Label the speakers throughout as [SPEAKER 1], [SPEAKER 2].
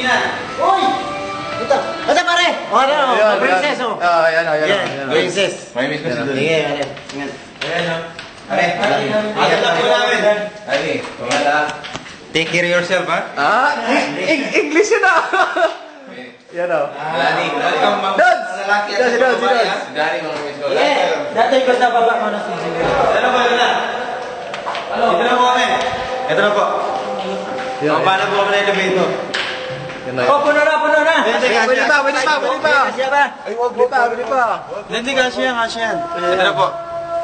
[SPEAKER 1] na. Uy! Ito. Ito pare! O ano? Princess o.
[SPEAKER 2] Ayan.
[SPEAKER 1] Princess.
[SPEAKER 3] May miss ko si Doon.
[SPEAKER 1] Sige, pare.
[SPEAKER 3] Ayan o. Are, alam po namin. Are, pamala. Take care of yourself, ha?
[SPEAKER 2] English yun ah! Yan o.
[SPEAKER 3] Dani,
[SPEAKER 2] Dods!
[SPEAKER 3] lalaki at
[SPEAKER 2] Si Dods!
[SPEAKER 3] Dani, mga miss ko.
[SPEAKER 1] Dati ko sa baba mo na si Jimmy.
[SPEAKER 3] Ano ba yun na? Ito na po kami. Ito na po. Paano po kami na elevator?
[SPEAKER 1] Oh, puno na!
[SPEAKER 2] Pwede pa!
[SPEAKER 1] Siya ba?
[SPEAKER 2] Ay, wag pa!
[SPEAKER 3] Hindi, kasya yan. Ito na po.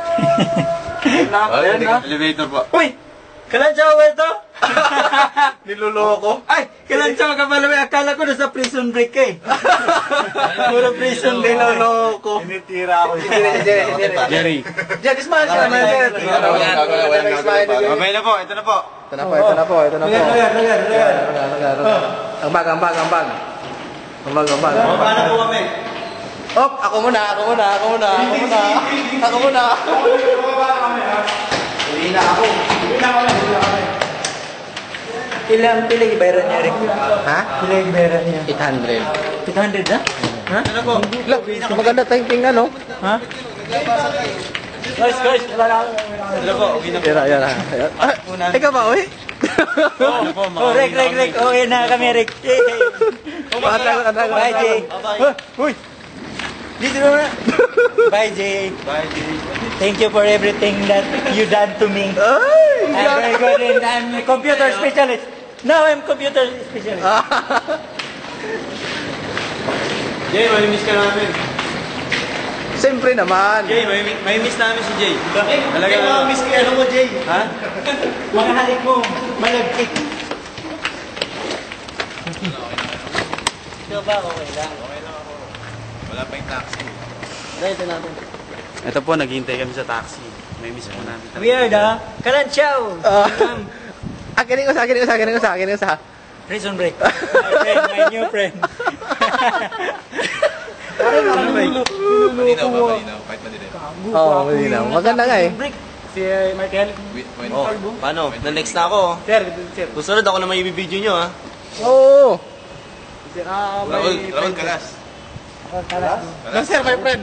[SPEAKER 3] Ayan na. Elevator po.
[SPEAKER 1] Uy! Kalansaw ba ito?
[SPEAKER 2] Niloloko.
[SPEAKER 1] Ay! Kalansaw ka pala. Akala ko nasa prison break ka eh. Puro prison break.
[SPEAKER 2] Niloloko. Tinitira ako.
[SPEAKER 3] Jerry.
[SPEAKER 2] Jerry, smile ka naman, Jerry.
[SPEAKER 3] Okay na po, ito na po.
[SPEAKER 2] Ito na po.
[SPEAKER 1] Lagar.
[SPEAKER 2] Ambag.
[SPEAKER 3] Paano po kami?
[SPEAKER 2] Op, ako muna.
[SPEAKER 3] Hindi na ako.
[SPEAKER 1] Ilang pila ibayaran niya rin?
[SPEAKER 2] Ha?
[SPEAKER 1] Pila ibayaran niya?
[SPEAKER 2] 800.
[SPEAKER 1] 800 na? Ha?
[SPEAKER 3] Ito na po.
[SPEAKER 2] Look, maganda tayong tingnan, no?
[SPEAKER 1] Ha? Guys! Wala na ako.
[SPEAKER 3] Ito po, okay na po.
[SPEAKER 2] Yan. Ikaw ba, uy?
[SPEAKER 3] Ano po, mga
[SPEAKER 1] Rek. Okay na kami, Rek. Bye, Jay. Uy! Dito na. Bye, Jay.
[SPEAKER 3] Bye, Jay.
[SPEAKER 1] Thank you for everything that you done to me. I'm very good and I'm a computer specialist. Now I'm computer specialist.
[SPEAKER 3] Jay, may miss ka namin.
[SPEAKER 2] Siyempre naman.
[SPEAKER 3] Jay, may miss namin si Jay.
[SPEAKER 1] Talaga na. Miss ko ano mo, Jay?
[SPEAKER 3] Ha?
[SPEAKER 1] Mga halik mo, malagkit. Ito ba? Okay lang.
[SPEAKER 3] Wala pa yung taxi.
[SPEAKER 1] Ito natin.
[SPEAKER 3] Ito po, naghihintay kami sa taxi. May miss po namin.
[SPEAKER 1] Weird ah. Kalanchaw.
[SPEAKER 2] Akin yung isa.
[SPEAKER 1] Prison break. My new friend.
[SPEAKER 3] Malinaw ba? Kahit madilim.
[SPEAKER 2] Oo, malinaw. Maganda nga eh.
[SPEAKER 1] Si Michael.
[SPEAKER 4] Paano? Na-next na ako.
[SPEAKER 1] Sir.
[SPEAKER 4] Susunod ako na may ibibideo nyo, ha?
[SPEAKER 2] Oo.
[SPEAKER 3] Raul Kalas.
[SPEAKER 2] No, sir, my friend.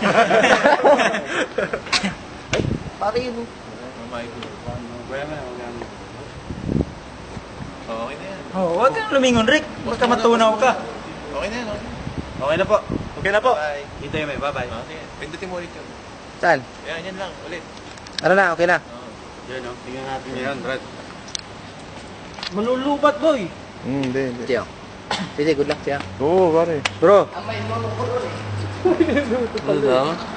[SPEAKER 2] Pare yun.
[SPEAKER 3] Okay na yan.
[SPEAKER 1] Oh, huwag kang lumingon, Rick. Baka matunaw ka.
[SPEAKER 3] Okay na yan. Okay na po.
[SPEAKER 1] Okay na po.
[SPEAKER 3] Bye. Hintay mo. Bye-bye. Sige. Pindutin mo ulit yun.
[SPEAKER 2] Saan?
[SPEAKER 3] Yan lang. Ulit.
[SPEAKER 2] Ano na, okay na?
[SPEAKER 3] Yan o. Tingnan natin yan, Brad.
[SPEAKER 1] Malulubat, boy.
[SPEAKER 2] Hindi. Tiyo. Sige, good luck, tiyo.
[SPEAKER 3] Oo, pare.
[SPEAKER 2] Bro.
[SPEAKER 4] Ano daw?